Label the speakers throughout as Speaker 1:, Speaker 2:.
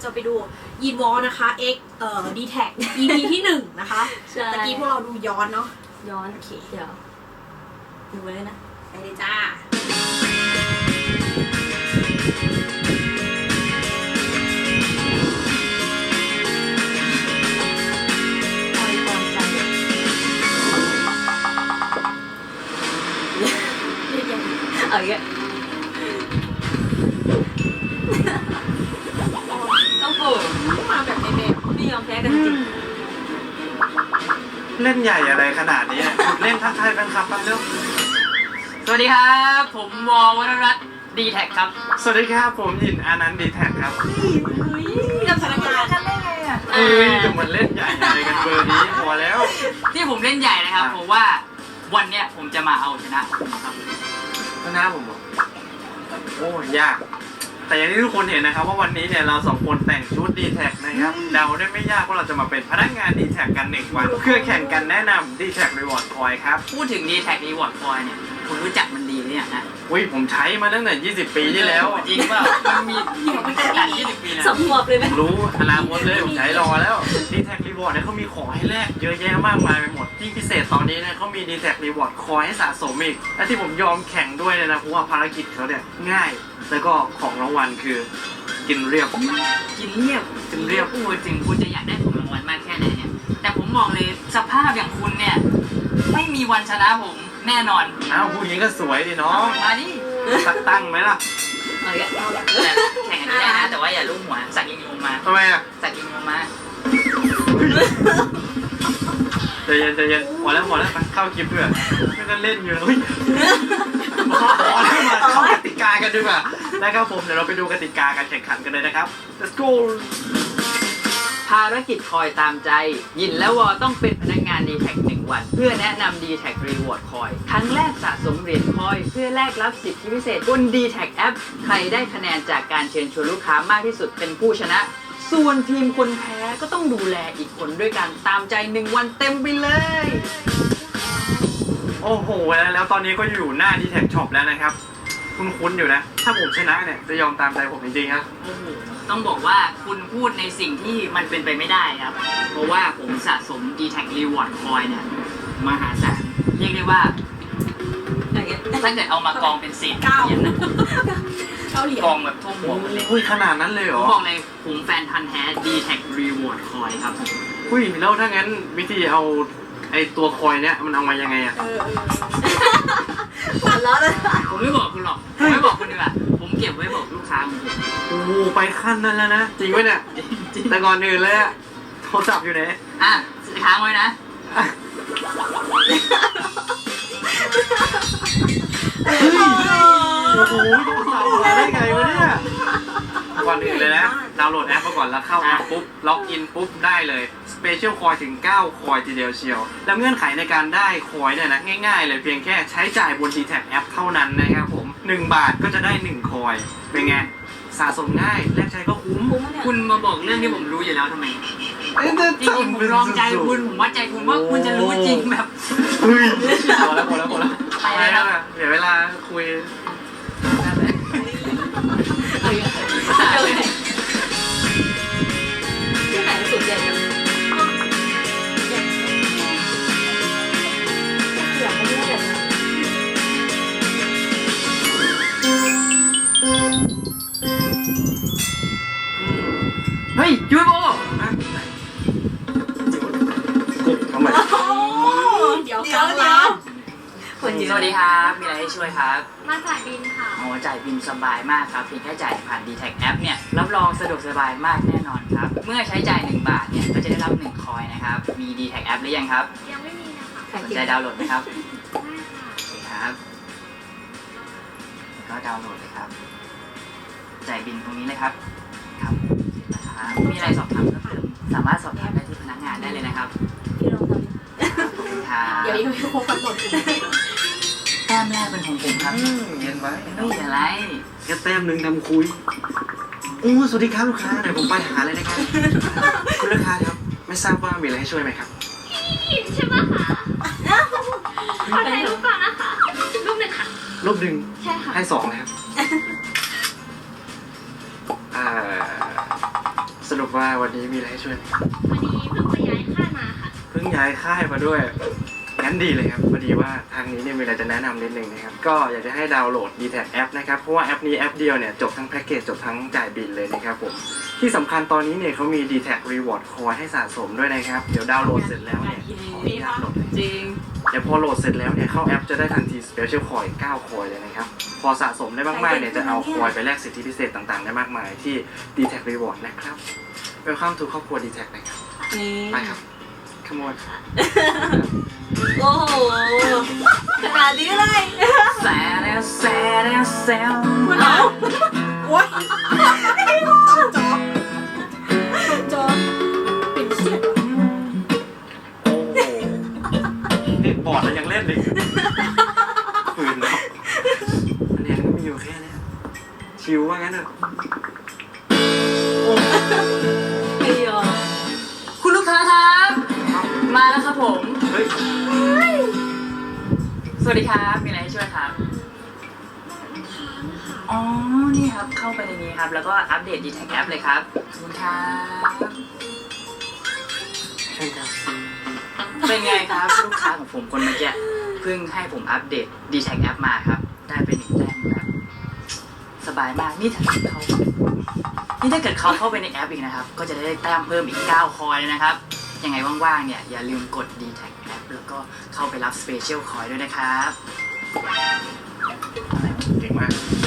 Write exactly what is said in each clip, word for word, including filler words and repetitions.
Speaker 1: จะไปดูยีนวอลนะคะ X เอ่อ ดี แท็ก อี พี ที่หนึ่งนะคะตะกี้พวกเราดูย้อนเนาะ
Speaker 2: ย้อนโอเคเดี๋ยวดูไว้เลยนะ
Speaker 1: ไปเลยจ้า
Speaker 2: เอาอีกต้องโผล่มาแบบในแบบไม่ยอมแพ้กันจริง
Speaker 3: เล่นใหญ่อะไรขนาดนี้เล่นทักทายแฟนคลับกันเร็ว
Speaker 4: สวัสดีครับผมวอวรรัตน์ดีแท็กครับ
Speaker 3: สวัสดีครับผมยินอานันต์ดีแท็กครับ
Speaker 1: กับพนักงาน
Speaker 2: กันได้ไงอ่ะ
Speaker 3: เอ้ยจะมันเล่นใหญ่อะไรกันเบอร์นี้พอแล้ว
Speaker 4: ที่ผมเล่นใหญ่นะครับผมว่าวันเนี้ยผมจะมาเอาชนะครับ
Speaker 3: ชนะผมบอกโอ้ยากแต่อย่างที่ทุกคนเห็นนะครับว่าวันนี้เนี่ยเราสองคนแต่งชุด ดี แท็ก นะครับเดาได้ไม่ยากว่าเราจะมาเป็นพนักงาน ดี แท็ก กันหนึ่งวันเพื่อแข่งกันแนะนำ ดี แท็ก Reward Coin ครับ
Speaker 4: พูดถึง ดี แท็ก Reward Coin เนี่ยคุณรู้จักมันดีหรือยังฮะ
Speaker 3: อุ้ยผมใช้มาตั้งแต่ยี่สิบปีที่แล้ว
Speaker 4: จริงเปล่ามันมีมันตั้งแต่ยี่สิบปีนะ
Speaker 2: สมบูรณ์เลยไหม
Speaker 3: รู้อนาคตเลยผมใช้รอแล้ว ดี แท็ก Reward เนี่ยเขามีของให้แลกเยอะแยะมากมายไปหมดที่พิเศษตอนนี้เนี่ยเขามี ดี แท็ก Reward Coin ให้สะสมอีกและที่ผมยอมแข่งด้วยเนี่ยนะเพราะว่าภารกิจเขาเนี่ยง่ายแล้วก็ของรางวัลคือกินเรียบ
Speaker 4: กินเรียบ
Speaker 3: กินเรียบ
Speaker 4: พูดถึงคุณจะอยากได้ของรางวัลมากแค่ไหนเนี่ยแต่ผมบอกเลยสภาพอย่างคุณเนี่ยไม่มีวันชนะผมแน่นอน
Speaker 3: อ้าวผู้หญิงก็สวยดิน้อง
Speaker 4: มาดิ
Speaker 3: สักตั้งไหมล่ะ
Speaker 4: เอาละเอาละแข่งกันได้นะแต่ว่าอย่าลุ่มหัวสักยิงงูมา
Speaker 3: ทำไมอ่ะ
Speaker 4: สักยิงงูมา
Speaker 3: ใจเย็นใจเย็นพอแล้วพอแล้วไปเข้าคลิปด้วยไม่ต้องเล่นอยู่เลยพอแล้วมาเข้ากติกากันดีกว่านะครับผมเดี๋ยวเราไปดูกติกาการแข่งขันกันเลยนะครับ let's go
Speaker 4: ภารกิจคอยตามใจยินและวอต้องเป็นพนักงาน ดี แท็ก หนึ่งวันเพื่อแนะนำ ดี แท็ก Reward Coin ครั้งแรกสะสมเหรียญคอยเพื่อแลกรับสิทธิพิเศษบน ดี แท็ก แอป ใครได้คะแนนจากการเชิญชวนลูกค้ามากที่สุดเป็นผู้ชนะส่วนทีมคนแพ้ก็ต้องดูแลอีกคนด้วยการตามใจหนึ่งวันเต็มไปเลย
Speaker 3: โอ้โหแล้วตอนนี้ก็อยู่หน้า ดี แท็ก Shop แล้วนะครับคุ้นๆอยู่นะถ้าผมชนะเนี่ยจะยอมตามใจผมจริงๆครับ
Speaker 4: โอ้โหต้องบอกว่าคุณพูดในสิ่งที่มันเป็นไปไม่ได้ครับเพราะว่าผมสะสม ดี แท็ก Reward Coin เนี่ยมหาศาลเรียกได้ว่าถ้าเกิดเอามากองเป็นเศษเหรียญนะกองแบบท่วมหัวหมดเลย
Speaker 3: อุ้ยขนาดนั้นเลยเหรอ
Speaker 4: บอกเลยผมแฟนพันธุ์แท้ ดี แท็ก Reward Coin ครับ
Speaker 3: อุ้ยแล้วถ้างั้นวิธีเอาไอตัวคอยเนี่ยมันเอามายังไงอะ
Speaker 2: ตัดล้อเลย
Speaker 4: ผมไม่บอกคุณหรอกผมไม่บอกคุณดีกว่าผมเก็บไว้บอกลูกค้าผม
Speaker 3: โอ้ไปขั้นนั้นแล้วนะจริงไหมเนี่ยแต่ก่อนอื่นเลยอะโทรศัพท์อยู่ไหน
Speaker 4: อ่ะค้างไว้นะ
Speaker 3: เฮ้ยโอ้โหโทรศัพท์มาได้ไงวะเนี่ยก่อนอื่นเลยนะดาวน์โหลดแอปมาก่อนแล้วเข้าแอปปุ๊บล็อกอินปุ๊บได้เลยสเปเชียลคอยถึงเก้าคอยทีเดียวเชียวแล้วเงื่อนไขในการได้คอยเนี่ยนะง่ายๆเลยเพียงแค่ใช้จ่ายบน ดี แท็ก แอปเท่านั้นนะครับผมหนึ่งบาทก็จะได้หนึ่งคอยเป็นไงสะสมง่ายแลกใช้ก็คุ้ม
Speaker 4: คุณมาบอกเรื่องที่ผมรู้อยู่แล้วทำไมจริงๆผมลองใจคุณผมว่าใจคุณว่าคุณจะรู้จริงแบบ
Speaker 3: เฮ้ยพอแล้วพอแล้วพอแล้วไปแล้วเดี๋ยวเวลาคุย
Speaker 2: ที่ไหนสุดใหญ่กันอยากไปเที่ยวแบบนั้น
Speaker 4: เฮ้ยยูโบ
Speaker 3: ทำไม
Speaker 1: เดี๋ยวเดี๋ยวเดี๋ยว
Speaker 4: สวัสดีครับมีอะไรให้ช่วยครับ
Speaker 5: มาจ่ายบินค่ะ
Speaker 4: อ๋อจ่ายบินสบายมากครับเพียงแค่จ่ายผ่าน ดี แท็ก แอปเนี่ยรับรองสะดวกสบายมากแน่นอนครับเมื่อใช้จ่ายหนึ่งบาทเนี่ยก็จะได้รับหนึ่งคอยนะครับมี ดี แท็ก แอปหรือยังครับ
Speaker 5: ยังไม่มีนะคะ
Speaker 4: สนใจดาวน์โหลดไหมครับ
Speaker 5: ได้ค่ะ
Speaker 4: โอเคครับก็ดาวน์โหลดเลยครับจ่ายบินตรงนี้เลยครับครับนะครับมีอะไรสอบถามเพิ่มเติมสามารถสอบถามได้ที่พนักงานได้เลยนะครับ
Speaker 2: พี่ลองทำ
Speaker 4: ขอบคุณครับ
Speaker 1: เดี๋ยวยังไม่ครบกำหนด
Speaker 4: แต้มแรกเป็นของผมครับ
Speaker 3: เย็นไว้
Speaker 4: ไม่เป็นไร
Speaker 3: แค่แต้มหนึ่งทำคุยโอ้สวัสดีครับลูกค้าเดี๋ยวผมไปหาเลยนะครับคุณลูกค้าครับไม่ทราบว่ามีอะไรให้ช่วยไหมครับ
Speaker 5: ใช่ไหมคะขอถ่ายรูปก่อนนะคะรูปหนึ่งค่ะ
Speaker 3: รูปหนึ่ง
Speaker 5: ใช่ค่ะ
Speaker 3: ให้สองนะครับอ่าสรุปว่าวันนี้มีอะไรให้ช่วย
Speaker 5: วันนี้เพิ่งไปย้ายค่ายมาค่ะ
Speaker 3: เพิ่งย้ายค่ายมาด้วยงั้นดีเลยครับพอดีว่าทางนี้เนี่ยมีอะไรจะแนะนำนิดนึงนะครับก็อยากจะให้ดาวน์โหลด ดี แท็ก แอปนะครับเพราะว่าแอปนี้แอปเดียวเนี่ยจบทั้งแพ็กเกจจบทั้งจ่ายบิลเลยนะครับผมที่สำคัญตอนนี้เนี่ยเขามี ดี แท็ก Reward Coin ให้สะสมด้วยนะครับเดี๋ยวดาวน์โหลดเสร็จแล้วเนี่ยมีดาวน์โหลด
Speaker 2: จริง
Speaker 3: เดี๋ยวพอโหลดเสร็จแล้วเนี่ยเข้าแอปจะได้ทันที Special Coin เก้า Coin เลยนะครับพอสะสมได้มากๆเนี่ยจะเอา Coin ไปแลกสิทธิพิเศษต่างๆได้มากมายที่ ดี แท็ก Reward นะครับ Welcome to ครอบครัว ดี แท็ก นะครับ
Speaker 2: นี่
Speaker 3: ไปครับขโมย
Speaker 2: โอ้โหขนาดนี้เลย
Speaker 4: แซ่แล้วแซ่แล้วแซ่
Speaker 1: คุณเอาโอ๊ยจอจอเป็นเชี่ย
Speaker 3: โอ้โหนี่บอร์ดแล้วยังเล่นอีกฝืนแล้วอันนี้ก็มีอยู่แค่เนี้ยชิวว่างั้นเถอะ
Speaker 2: ไม่ยอม
Speaker 4: คุณลูกค้าครับมาแล้วครับผม
Speaker 3: เฮ้ย
Speaker 4: สวัสดีครับมีอะไรให้ช่วยครับอ๋อนี่ครับเข้าไปในนี้ครับแล้วก็อัปเดต ดี แท็ก แอปเลยครับขอบคุณครับ
Speaker 3: เช่นครับ
Speaker 4: เป็นไงครับลูกค้าของผมคนเมื่อกี้เพิ่งให้ผมอัปเดต ดี แท็ก แอปมาครับได้ไปหนึ่งแต้มครับสบายมากนี่ถ้าเกิดเขานี่ถ้าเกิดเขาเข้าไปในแอปอีกนะครับก็จะได้แต้มเพิ่มอีกเก้าคอยเลยนะครับยังไงว่างๆเนี่ยอย่าลืมกด ดี แท็ก แอปแล้วก็เข้าไปรับ Special Coin ด้วยนะครับ
Speaker 3: เก่งมาก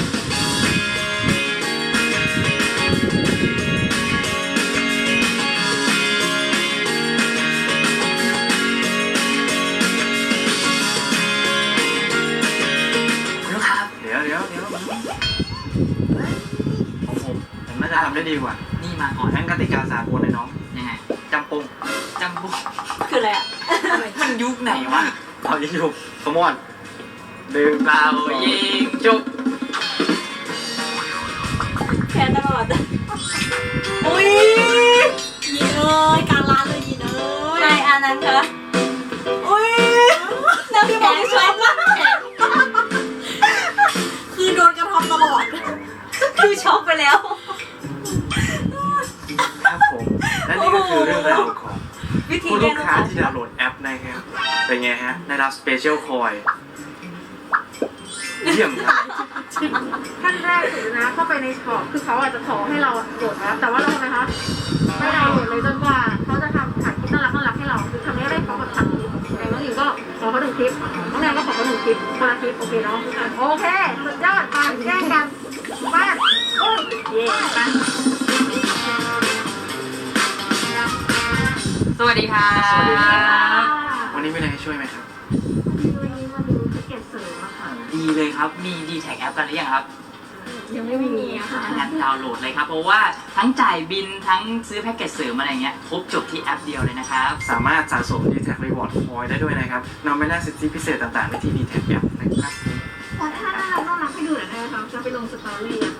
Speaker 4: คุณลูกค้าครับ
Speaker 3: เดี๋ยวเดี๋ยวเดี๋ยวของผมผมน่าจะทำได้ดีกว่า
Speaker 4: นี่มาก่อน
Speaker 3: งั้นกติกาสากลเลยน้อง
Speaker 4: ยังไง
Speaker 3: จำปง
Speaker 4: จำบุก
Speaker 2: คืออะไรอ่ะ
Speaker 4: มันยุคไหนวะ
Speaker 3: เอายิงฉุบสมอนดื่ม
Speaker 4: เปล่ายิงจุก
Speaker 2: แพ้ตลอดอุ้ย
Speaker 1: ยีเอ้ยกลางร้านเลยยีเอ้ย
Speaker 2: นายอานันต์คะอุ้ยน้ำแข็งชอบมาก
Speaker 1: คือโดนกระทำตลอด
Speaker 2: คือช็อกไปแล้ว
Speaker 3: ครับผม และนี่ก็คือเรื่องราวของ
Speaker 2: วิธี
Speaker 3: ผู้
Speaker 2: เรี
Speaker 3: ลู
Speaker 2: ยน
Speaker 3: ก
Speaker 2: รู้
Speaker 3: ค้าที่ดาวน์โหลดแอปนะครับ เป็นไงฮะ ได้รับ Special Coin เยี่ยมครับ
Speaker 6: ขั้นแรกสุดนะเข้าไปในช็อปคือเขาอาจจะขอให้เราโหลดแอปแต่ว่าเราทำไมคะไม่เราโหลดเลยจนกว่าเขาจะทำถ่ายคลิปน่ารักน่ารักให้เราคือทำให้ได้เขาแบบทำคลิปแต่น้องหญิงก็ขอเขาหนึ่งคลิปน้องแนนก็ขอเขาหนึ่งคลิปคนละคลิปโอเคเนาะโอเคสุดยอดไปแย่งกันไปโอ้ยเย่ไป
Speaker 4: สวัสดีครับ
Speaker 3: สวัสดีครับ วันนี้มีอะไรให้ช่วยไหมครับ
Speaker 6: วันนี้มาดูแพ็กเกจเสริมอะค่ะ
Speaker 4: ดีเลยครับ มี ดี แท็ก แอปกันหรือยังครับ
Speaker 6: ยังไม่มีอะค่ะ
Speaker 4: งั้นดาวน์โหลดเลยครับ เพราะว่าทั้งจ่ายบินทั้งซื้อแพ็กเกจเสริมอะไรเงี้ยครบจบที่แอปเดียวเลยนะครับ
Speaker 3: สามารถสะสม ดี แท็ก Reward Coin ได้ด้วยนะครับนำไปแลกสิทธิพิเศษต่างๆได้ที่ ดี แท็ก แอปนะครับ
Speaker 6: ขอท่าน่ารักน่ารักให้ดูหน่อยได้ไหมคะจะไปลงสตอรี่อะ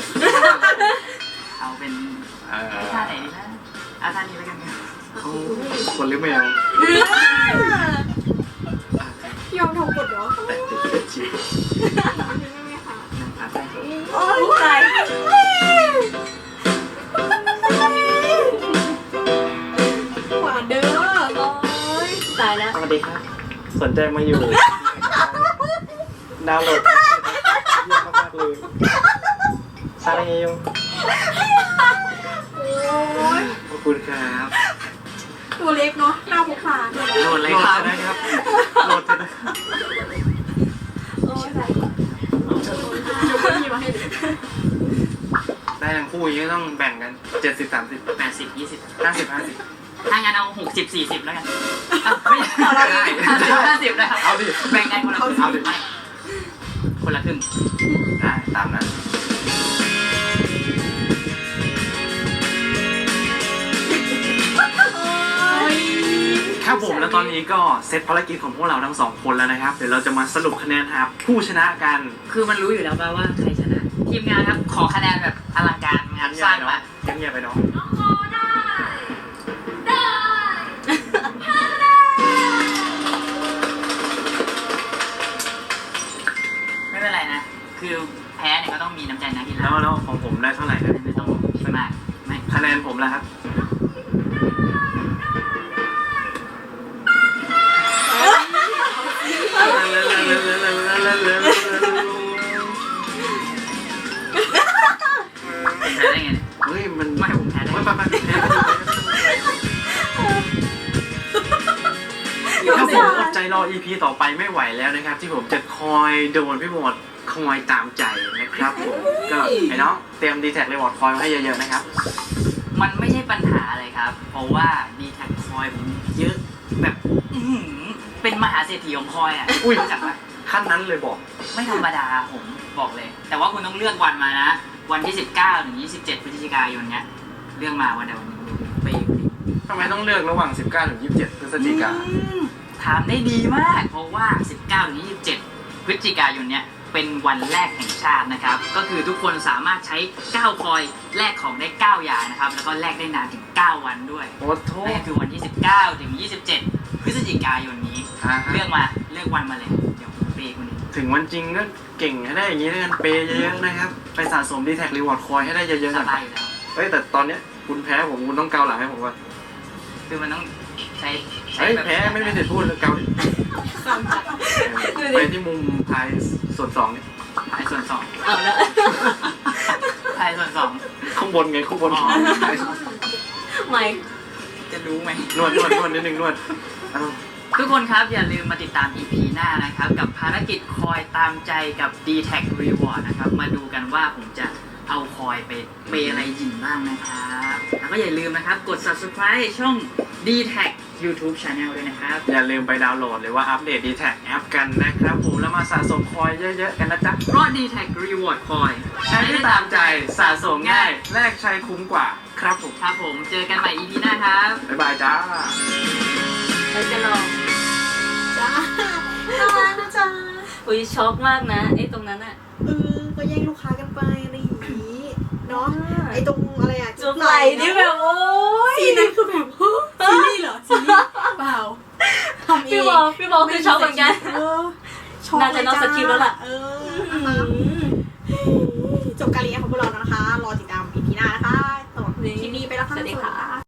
Speaker 4: เอาเป็น
Speaker 3: เอ่อ
Speaker 4: ท่าไหนดีนะเอาท่านี้แล้วกันครับ
Speaker 3: เขาคนหรือแมว
Speaker 1: ยอมทำกดเหรอ
Speaker 3: แต่ติดเป็นชิป
Speaker 4: นะครับได้ครับ
Speaker 2: โอ้ยตาย
Speaker 1: หวานเด้อ
Speaker 2: โอ้ยตายแล้ว
Speaker 3: สวัสดีครับ สนใจมาอยู่ ดาวน์โหลดเยี่ยมมากๆเลยซาเรโย
Speaker 1: โอ้ย
Speaker 3: ขอบคุณครับ
Speaker 1: ตัวเล็กเนาะหน้าพกพาด้วย
Speaker 4: โหลดเลยครับ
Speaker 3: โหลดนะครับ โหลดนะครับ
Speaker 2: โอ้ยตาย
Speaker 1: เดี๋ยวก็มีมาให้เลย
Speaker 3: ได้ทั้งคู่อย่างนี้ต้องแบ่งกันเจ็ดสิบสามสิบ
Speaker 4: แปดสิบยี่สิบ
Speaker 3: ห้าสิบห้าสิบ
Speaker 4: ถ้างั้นเอาหกสิบสี่สิบแล้วกันอ่ะไม่ได้ห้าสิบห้าสิบนะครับ
Speaker 3: เอาดิ
Speaker 4: แบ่งกันคนละครึ่ง
Speaker 3: เอาดิ
Speaker 4: ไม่คนละครึ่ง
Speaker 3: ได้ตามนั้น ครับผมแล้วตอนนี้ก็เซตภารกิจของพวกเราทั้งสองคนแล้วนะครับ เดี๋ยวเราจะมาสรุปคะแนนหาผู้ชนะกัน
Speaker 4: คือมันรู้อยู่แล้วป่ะว่าใครชนะ ทีมงานครับ ขอคะแนนแบบอลังการงานสร้างมา
Speaker 3: เงียบๆไปเนาะ
Speaker 4: ไม่เป็นไรนะ คือแพ้เนี่ยก็ต้องมีน้ำใจนักกีฬา
Speaker 3: แล้วแล้วของผมได้เท่าไหร่นะ
Speaker 4: ไม่ต้องคิดมากไม่
Speaker 3: คะแนนผมมแล้วครับ
Speaker 4: ผมแพ้ได้ไงเนี่ย
Speaker 3: เฮ้ยมัน
Speaker 4: ไม่ผมแพ้ได้
Speaker 3: ไม่
Speaker 4: ไง
Speaker 3: ไม่ไม่แพ้ถ้าผมอดใจรอ อี พี ต่อไปไม่ไหวแล้วนะครับ ที่ผมจะคอยโดนพี่หมดคอยตามใจนะครับผมก็ไอ้น้องเตรียมดีแท็กรีวอร์ดคอยไว้ให้เยอะๆนะครับ
Speaker 4: มันไม่ใช่ปัญหาเลยครับ เพราะว่าดีแท็กคอยผมเยอะแบบอื้อหือเป็นมหาเศรษฐีของคอยอ่ะ
Speaker 3: อุ้ย
Speaker 4: รู้จักปะ
Speaker 3: ขั้นนั้นเลยบอก
Speaker 4: ไม่ธรรมดาผมบอกเลย แต่ว่าคุณต้องเลือกวันมานะ วันที่สิบเก้าถึงยี่สิบเจ็ดพฤศจิกายนเนี้ยเลือกมาวันใดวันหนึ่งไปอยู่ดิ
Speaker 3: ทำไมต้องเลือกระหว่าง สิบเก้า ถึง ยี่สิบเจ็ด พฤศจิกา
Speaker 4: อืมถามได้ดีมาก เพราะว่า สิบเก้าถึงยี่สิบเจ็ด พฤศจิกายนเนี้ยเป็นวันแรกแห่งชาตินะครับ ก็คือทุกคนสามารถใช้เก้าคอยแลกของได้เก้าอย่างนะครับ แล้วก็แลกได้นานถึงเก้าวันด้วย
Speaker 3: โอ้โท
Speaker 4: นั่น
Speaker 3: ษ
Speaker 4: ก็คือวันที่สิบเก้าถึงยี่สิบเจ็ด พฤศจิกายนนี้
Speaker 3: อ่าฮะ
Speaker 4: เลือกมาเลือกวันมาเลย เดี๋ยวผมเปย์คุณเอง
Speaker 3: ถึงวันจริงก็เก่งให้ได้อย่างนี้ด้วยกันเปย์เยอะๆนะครับ ไปสะสมดีแท็กรีวอร์ดคอยให้ได้เยอะๆ
Speaker 4: ส
Speaker 3: หน่อย
Speaker 4: บายอยู่แล้ว
Speaker 3: เฮ้ยแต่ตอนเนี้ยคุณแพ้ผมคุณต้องเกาหลังให้ผมก่อน
Speaker 4: คือมันต้องใช้ใช้
Speaker 3: เฮ้ย
Speaker 4: แบบ
Speaker 3: แพ้ไม่ไม่เสร็จพูดเลยเกาดิไปที่มุมพายส่วนสองเนี่ย
Speaker 4: ถ่ายส่วนสอง
Speaker 2: เอาแล้ว
Speaker 4: ถ่ายส่วนสอง
Speaker 3: ข้างบนไงข้างบน
Speaker 4: อ๋อ
Speaker 2: ไม่
Speaker 4: จะรู้ไหม
Speaker 3: นวดนวดนวดนิดนึงนวดอ้าว
Speaker 4: ทุกคนครับอย่าลืมมาติดตาม อี พี หน้านะครับ กับภารกิจคอยตามใจกับ ดี แท็ก Reward นะครับ มาดูกันว่าผมจะเอาคอยไปเปย์อะไรหยินบ้างนะครับ แล้วก็อย่าลืมนะครับกด Subscribe ช่อง ดี แท็ก YouTube Channel ด้วยนะครับ
Speaker 3: อย่าลืมไปดาวน์โหลดหรือว่าอัปเดตดีแท็กแอปกันนะครับผมแล้วมาสะสมคอยเยอะๆกันนะจ๊ะ
Speaker 4: เพราะ ดี แท็ก Reward คอย
Speaker 3: ใช้ได้ตามใจสะสมง่ายแลกใช้คุ้มกว่าครับผม
Speaker 4: ครับผมเจอกันใหม่ อี พี หน้าครับ
Speaker 3: บ๊ายบายจ้า
Speaker 2: เราจะลอง
Speaker 1: จ้าน่ารักนะจ๊ะ
Speaker 2: อุ้ยช็อกมากนะไอ้ตรงนั้นอะ
Speaker 1: เออก็แย่งลูกค้ากันไปอะไรอย่างนี้เนาะไอ้ตรงอะไรอะ
Speaker 2: จุ๊บไหลนี่แบบโอ้ย
Speaker 1: ซีนั้นคือแบบเฮ้ยซีรีส์เหรอซีรีส์เปล่าทำเอง
Speaker 2: พี่บอลพี่บอลคือช็อกเหมือนกัน
Speaker 1: เออช็อก
Speaker 2: น่าจะนอกสคริปต์แล้วล่ะ
Speaker 1: เออจบการเรียนของพวกเราแล้วนะคะ รอติดตามอีพีหน้านะคะสำหรับคลิปนี้ไปแล้วค่ะ
Speaker 2: สวัสดีค่ะ